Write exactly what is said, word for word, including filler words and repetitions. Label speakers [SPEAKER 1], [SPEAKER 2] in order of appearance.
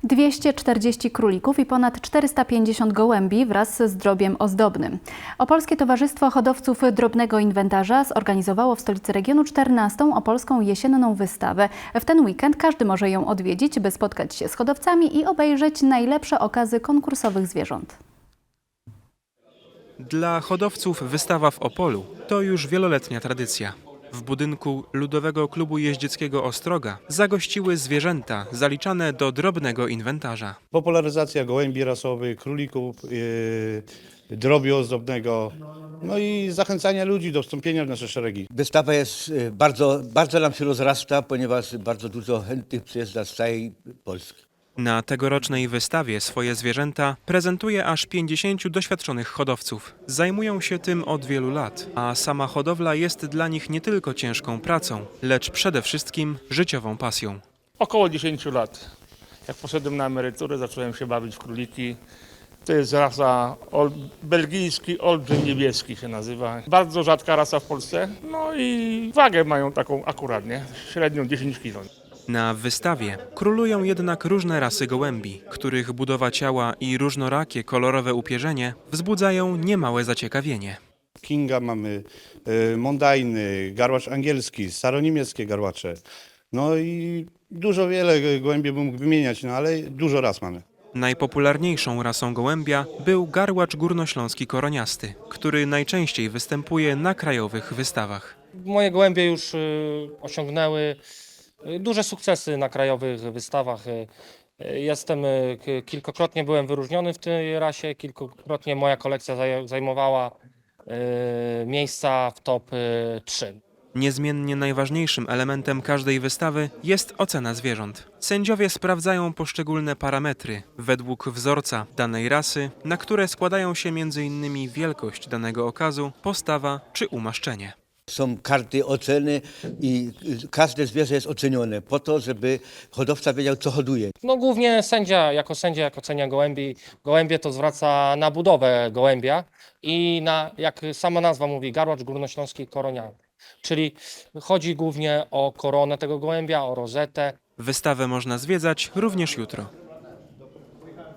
[SPEAKER 1] dwieście czterdzieści królików i ponad czterysta pięćdziesiąt gołębi wraz z drobiem ozdobnym. Opolskie Towarzystwo Hodowców Drobnego Inwentarza zorganizowało w stolicy regionu czternastą opolską jesienną wystawę. W ten weekend każdy może ją odwiedzić, by spotkać się z hodowcami i obejrzeć najlepsze okazy konkursowych zwierząt.
[SPEAKER 2] Dla hodowców wystawa w Opolu to już wieloletnia tradycja. W budynku Ludowego Klubu Jeździeckiego Ostroga zagościły zwierzęta zaliczane do drobnego inwentarza.
[SPEAKER 3] Popularyzacja gołębi rasowych, królików, yy, drobiu ozdobnego, no i zachęcania ludzi do wstąpienia w nasze szeregi.
[SPEAKER 4] Wystawa jest y, bardzo, bardzo nam się rozrasta, ponieważ bardzo dużo chętnych przyjeżdża z całej Polski.
[SPEAKER 2] Na tegorocznej wystawie swoje zwierzęta prezentuje aż pięćdziesięciu doświadczonych hodowców. Zajmują się tym od wielu lat, a sama hodowla jest dla nich nie tylko ciężką pracą, lecz przede wszystkim życiową pasją.
[SPEAKER 5] Około dziesięciu lat. Jak poszedłem na emeryturę, zacząłem się bawić w króliki. To jest rasa ol, belgijski olbrzym niebieski się nazywa. Bardzo rzadka rasa w Polsce. No i wagę mają taką akuratnie, średnią dziesięć kilo.
[SPEAKER 2] Na wystawie królują jednak różne rasy gołębi, których budowa ciała i różnorakie kolorowe upierzenie wzbudzają niemałe zaciekawienie.
[SPEAKER 3] Kinga mamy, yy, mondajny, garłacz angielski, staroniemieckie garłacze. No i dużo wiele gołębi bym mógł wymieniać, no ale dużo ras mamy.
[SPEAKER 2] Najpopularniejszą rasą gołębia był garłacz górnośląski koroniasty, który najczęściej występuje na krajowych wystawach.
[SPEAKER 6] Moje gołębie już y, osiągnęły y, duże sukcesy na krajowych wystawach. Y, y, Jestem, y, k- kilkakrotnie byłem wyróżniony w tej rasie, kilkukrotnie moja kolekcja zaj- zajmowała y, miejsca w top y, trzy.
[SPEAKER 2] Niezmiennie najważniejszym elementem każdej wystawy jest ocena zwierząt. Sędziowie sprawdzają poszczególne parametry według wzorca danej rasy, na które składają się między innymi wielkość danego okazu, postawa czy umaszczenie.
[SPEAKER 4] Są karty oceny i y, każde zwierzę jest ocenione po to, żeby hodowca wiedział, co hoduje.
[SPEAKER 6] No głównie sędzia, jako sędzia, jak ocenia gołębi, gołębie to zwraca na budowę gołębia i na, jak sama nazwa mówi, garłacz górnośląski koroniany. Czyli chodzi głównie o koronę tego gołębia, o rozetę.
[SPEAKER 2] Wystawę można zwiedzać również jutro.